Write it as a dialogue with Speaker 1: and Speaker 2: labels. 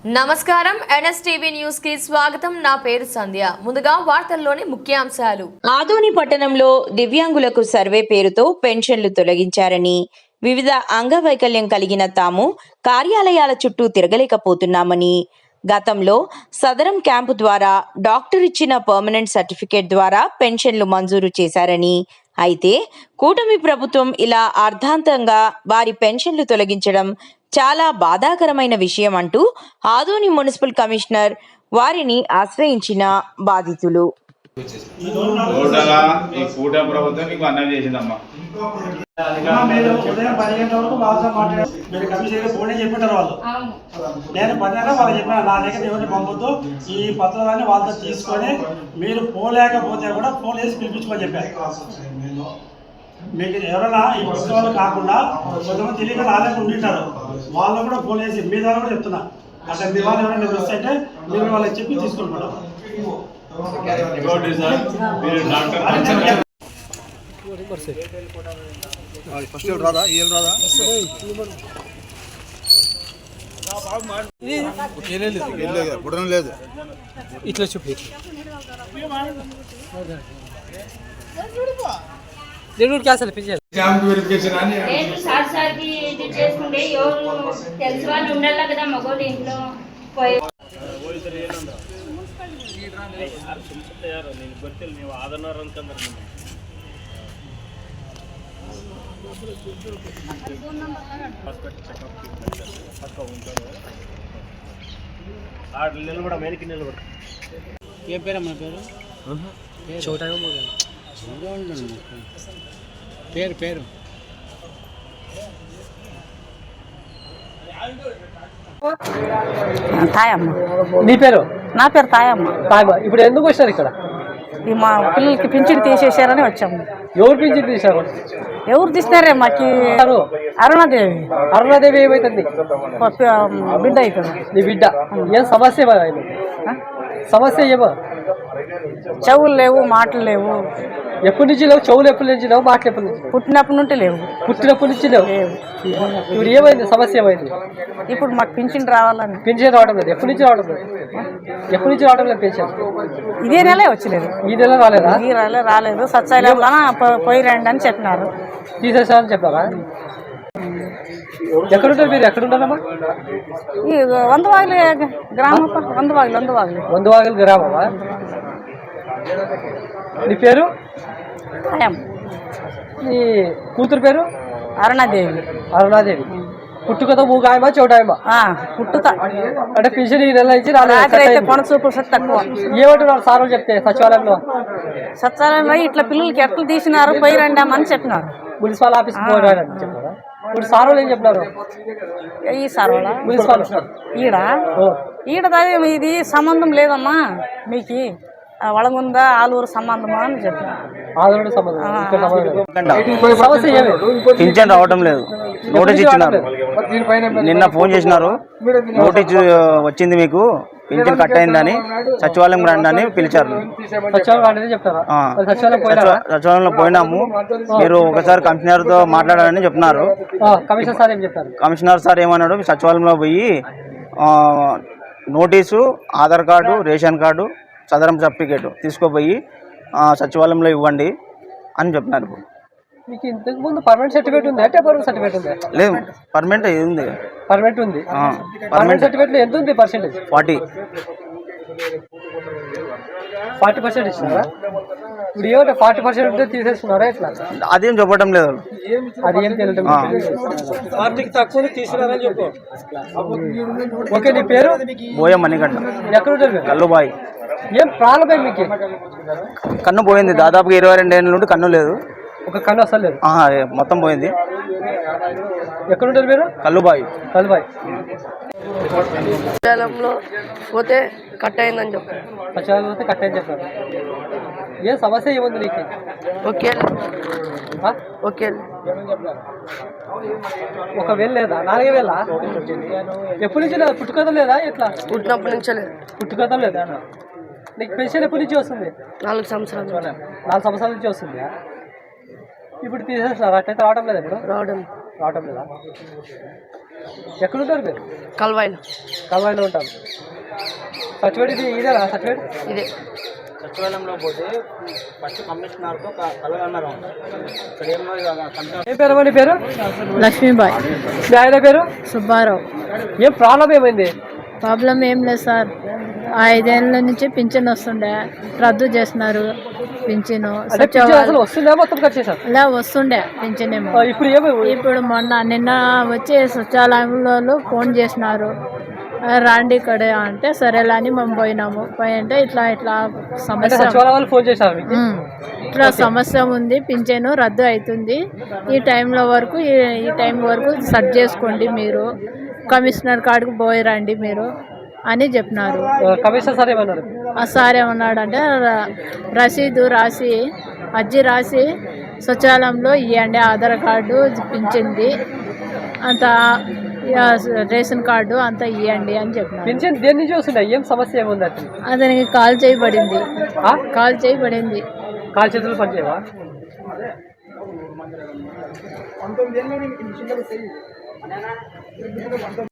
Speaker 1: నమస్కారం NSTV news కి స్వాగతం. నా పేరు సంధ్య. ముందుగా వార్తల్లోని ముఖ్యాంశాలు.
Speaker 2: ఆదోని పట్టణంలో దివ్యాంగులకు సర్వే పేరుతో పెన్షన్లు తొలగించారని, వివిధ అంగవైకల్యం కలిగిన తాము కార్యాలయాల చుట్టూ తిరగలేకపోతున్నామని, గతంలో సదరం క్యాంపు ద్వారా డాక్టర్ ఇచ్చిన పర్మనెంట్ సర్టిఫికేట్ ద్వారా పెన్షన్లు మంజూరు చేశారని, అయితే కూటమి ప్రభుత్వం ఇలా అర్ధాంతంగా వారి పెన్షన్లు తొలగించడం చాలా బాధాకరమైన విషయం అంటూ ఆదోని మున్సిపల్ కమిషనర్ వారిని ఆశ్రయించిన బాధితులు.
Speaker 3: నేను 10 వాళ్ళు చెప్పిన నా దగ్గర ఎవరిని పంపొద్దు, ఈ పత్రాలన్నీ వాళ్ళతో తీసుకొని మీరు పోలేకపోతే కూడా ఫోన్ వేసి పిలిపించుకొని చెప్పారు. మీకు ఎవరైనా ఈ పుస్తకాలు కాకుండా కొంతమంది తెలియక రాలేకుండా ఉండింటారు, వాళ్ళు కూడా ఫోన్ వేసి మీ ద్వారా కూడా చెప్తున్నా, అంటే మీ వాళ్ళు ఎవరైనా మిస్ అయితే మీరు వాళ్ళకి చెప్పి తీసుకొని పోవడం.
Speaker 4: లేదు
Speaker 5: ఇట్లా చూపి దేవుడు క్యాన్సల్ పిలిచారు.
Speaker 6: నేను సార్కి ఇది చేసుకుంటే ఎవరు తెలిసి వాళ్ళు ఉండాలి కదా మగోళ్ళు ఇంట్లో పోయి
Speaker 5: ఏం పేరమ్మా పేరు? చోట పేరు పేరు
Speaker 7: తాయమ్మ.
Speaker 5: నీ పేరు?
Speaker 7: నా పేరు తాయమ్మ.
Speaker 5: ఇప్పుడు ఎందుకు వచ్చారు ఇక్కడ?
Speaker 7: మా పిల్లలకి పింఛన్ తీసేసారని వచ్చాము.
Speaker 5: ఎవరు పింఛన్ తీశారు?
Speaker 7: ఎవరు తీసినారే మాకి? అరుణాదేవి.
Speaker 5: అరుణాదేవి ఏమైతుంది?
Speaker 7: బిడ్డ అవుతుంది.
Speaker 5: నీ బిడ్డ ఏం సమస్య? సమస్య ఏమో?
Speaker 7: చెవులు లేవు, మాటలు లేవు.
Speaker 5: ఎప్పటి నుంచి లేవు? చెవులు ఎప్పటి నుంచి లేవు, మాటలు ఎప్పటి నుంచి?
Speaker 7: పుట్టినప్పటి నుండి లేవు.
Speaker 5: పుట్టినప్పటి నుంచి లేవు. ఇప్పుడు ఏమైంది? సమస్య ఏమైంది?
Speaker 7: ఇప్పుడు మాకు పింఛన్ రావాలని.
Speaker 5: పెన్షన్ రావడం లేదు. ఎప్పటి నుంచి రావడం లేదు? ఎప్పటి నుంచి రావడం లేదు పెన్షన్?
Speaker 7: ఇదే నెలే వచ్చలేదు.
Speaker 5: ఈ నెల రాలేదా?
Speaker 7: ఈ నెల రాలేదు. సత్సాయిలో పోయి రండి అని చెప్పినారు.
Speaker 5: తీసేసారని చెప్పారా? ఎక్కడుంటారు మీరు? ఎక్కడుంటారమ్మా?
Speaker 7: ఈ వందవాగిలి గ్రామం.
Speaker 5: వందవాగిలి గ్రామమా? నీ పేరు?
Speaker 7: తాయమ్మ.
Speaker 5: నీ కూతురు పేరు?
Speaker 7: అరుణాదేవి.
Speaker 5: అరుణాదేవి. పుట్టుకతో మూగాయమా చోటాయమా?
Speaker 7: పుట్టుతా.
Speaker 5: అంటే పింఛన్ ఈ నెల నుంచి రాలేదు.
Speaker 7: కొన చూపు తక్కువ.
Speaker 5: ఏమంటున్నారు సార్ చెప్తే?
Speaker 7: సచివాలయంలో ఇట్లా పిల్లలకి ఎట్లా తీసినారు, పోయి రండి అని చెప్పినారు.
Speaker 5: మున్సిపల్ ఆఫీస్కి పోరాడని చెప్పారా? ఇప్పుడు సార్ వాళ్ళు ఏం చెప్పినారు?
Speaker 7: ఈ సార్ వాళ్ళ
Speaker 5: మున్సిపల్
Speaker 7: ఈడ ఇది సంబంధం లేదమ్మా, మీకు వళగుందా ఆలూరు సంబంధమా అని చెప్పినారు.
Speaker 5: ఆలూరు సంబంధం.
Speaker 8: పింఛన్ రావడం లేదు. నోటీస్ ఇచ్చినారు. నిన్న ఫోన్ చేసినారు, నోటీస్ వచ్చింది మీకు, పింఛన్ కట్ అయిందని, సచివాలయం రండి అని పిలిచారు. సచివాలయంలో పోయినాము. మీరు ఒకసారి కమిషనర్తో మాట్లాడాలని చెప్తున్నారు. కమిషనర్ సార్ ఏమన్నాడు, సచివాలయంలో పోయి notice, Aadhaar card, ration card, Sadaram certificate తీసుకుపోయి సచివాలయంలో ఇవ్వండి అని చెప్పినారు.
Speaker 5: మీకు ఇంతకు ముందు పర్మనెంట్ సర్టిఫికేట్ ఉంది? టెంపరరీ సర్టిఫికేట్ ఉంది?
Speaker 8: లేదు, పర్మనెంట్ ఉంది.
Speaker 5: పర్మనెంట్ ఉంది. పర్మనెంట్ సర్టిఫికేట్ ఎంత ఉంది పర్సెంటేజ్? 40% ఇచ్చినారా? ఇప్పుడు ఏమంటే 40% ఉంటే తీసేస్తున్నారా ఎట్లా?
Speaker 8: అదేం చెప్పడం లేదు.
Speaker 5: అది ఏం తెలియదు. 40 తక్కువ తీసుకున్నారని చెప్పు. ఓకే. నీ పేరు?
Speaker 8: బోయ మణికంఠ.
Speaker 5: ఎక్కడ ఉంటారు?
Speaker 8: కల్లుబాయి.
Speaker 5: ఏం ప్రాబ్లం మీకు?
Speaker 8: కన్ను పోయింది. దాదాపుగా 22 ఏళ్ళ నుండి కన్ను లేదు.
Speaker 5: ఒక కన్ను అసలు లేదు.
Speaker 8: మొత్తం పోయింది.
Speaker 5: ఎక్కడుంటారు మీరు?
Speaker 8: కల్లుబాయి.
Speaker 9: సచివాలయంలో పోతే కట్ అయిందని చెప్పారు.
Speaker 5: సచివాలయంలో పోతే కట్ అయింది చెప్పారు. ఏ సమస్య ఏముంది నీకు?
Speaker 9: ఓకే.
Speaker 5: ఒక వేలు లేదా? 4 వేలా? ఎప్పటి నుంచి లేదా? పుట్టుకథ లేదా? ఎట్లా?
Speaker 9: పుట్టినప్పటి నుంచే లేదు.
Speaker 5: పుట్టుకథ లేదా? నీకు పెన్షన్ ఎప్పటి నుంచి వస్తుంది?
Speaker 9: 4 సంవత్సరాలు.
Speaker 5: 4 సంవత్సరాల నుంచి వస్తుంది. ఇప్పుడు తీసేస్తున్నారు. అట్లయితే రావడం లేదా? ఇప్పుడు రావడం లేదా? ఎక్కడ ఉంటారు మీరు?
Speaker 9: కల్వాయిలో
Speaker 5: కల్వాయిలో ఉంటారు. సర్టిఫికేట్ ఇది ఇదేనా సర్టిఫికేట్?
Speaker 9: ఇదే
Speaker 8: సచివాలయంలో పోతే ఫస్ట్ కమిషనర్తో కలవన్నారు. ఇక్కడ ఏమో
Speaker 5: ఏం పేరు అమ్మా నీ పేరు?
Speaker 7: లక్ష్మీబాయ్.
Speaker 5: మీ ఆయన పేరు?
Speaker 7: సుబ్బారావు.
Speaker 5: ఏం ప్రాబ్లం ఏమైంది?
Speaker 7: ప్రాబ్లం ఏం లేదు సార్, 5 ఏళ్ళ నుంచి పింఛన్ వస్తుండే, రద్దు చేసినారు పింఛను.
Speaker 5: అంటే పింఛన్ అసలు వస్తుందా మొత్తం కట్ చేశారు?
Speaker 7: ఇలా వస్తుండే పింఛన్ ఏమో.
Speaker 5: ఇప్పుడు ఏమైంది?
Speaker 7: ఇప్పుడు నిన్న వచ్చి సచివాలయంలో ఫోన్ చేసినారు, రాండి ఇక్కడ అంటే సరేలా అని మేము పోయినాము. పోయింటే ఇట్లా
Speaker 5: అంటే
Speaker 7: సమస్య,
Speaker 5: సచివాలయం వాళ్ళు ఫోన్ చేశారు మీకు?
Speaker 7: ఇట్లా సమస్య ఉంది, పింఛను రద్దు అవుతుంది, ఈ టైంలో వరకు ఈ టైం వరకు సెట్ చేసుకోండి, మీరు కమిషనర్ కాడికి పోయి రండి మీరు అని చెప్పినారు.
Speaker 5: కమిషనర్ సార్ ఏమన్నారు?
Speaker 7: ఆ సార్ ఏమన్నాడంటే రసీదు రాసి అర్జీ రాసి సచివాలయంలో ఇవ్వండి, ఆధార్ కార్డు పింఛన్ది అంత రేషన్ కార్డు అంతా ఇవ్వండి అని చెప్పినారు.
Speaker 5: పింఛన్ దేని నుంచి వస్తుండే? ఏం సమస్య ఏముంది?
Speaker 7: అతనికి కాల్ చేయబడింది. కాల్ చేయబడింది.
Speaker 5: కాలు చేతులు పనిచేయవా?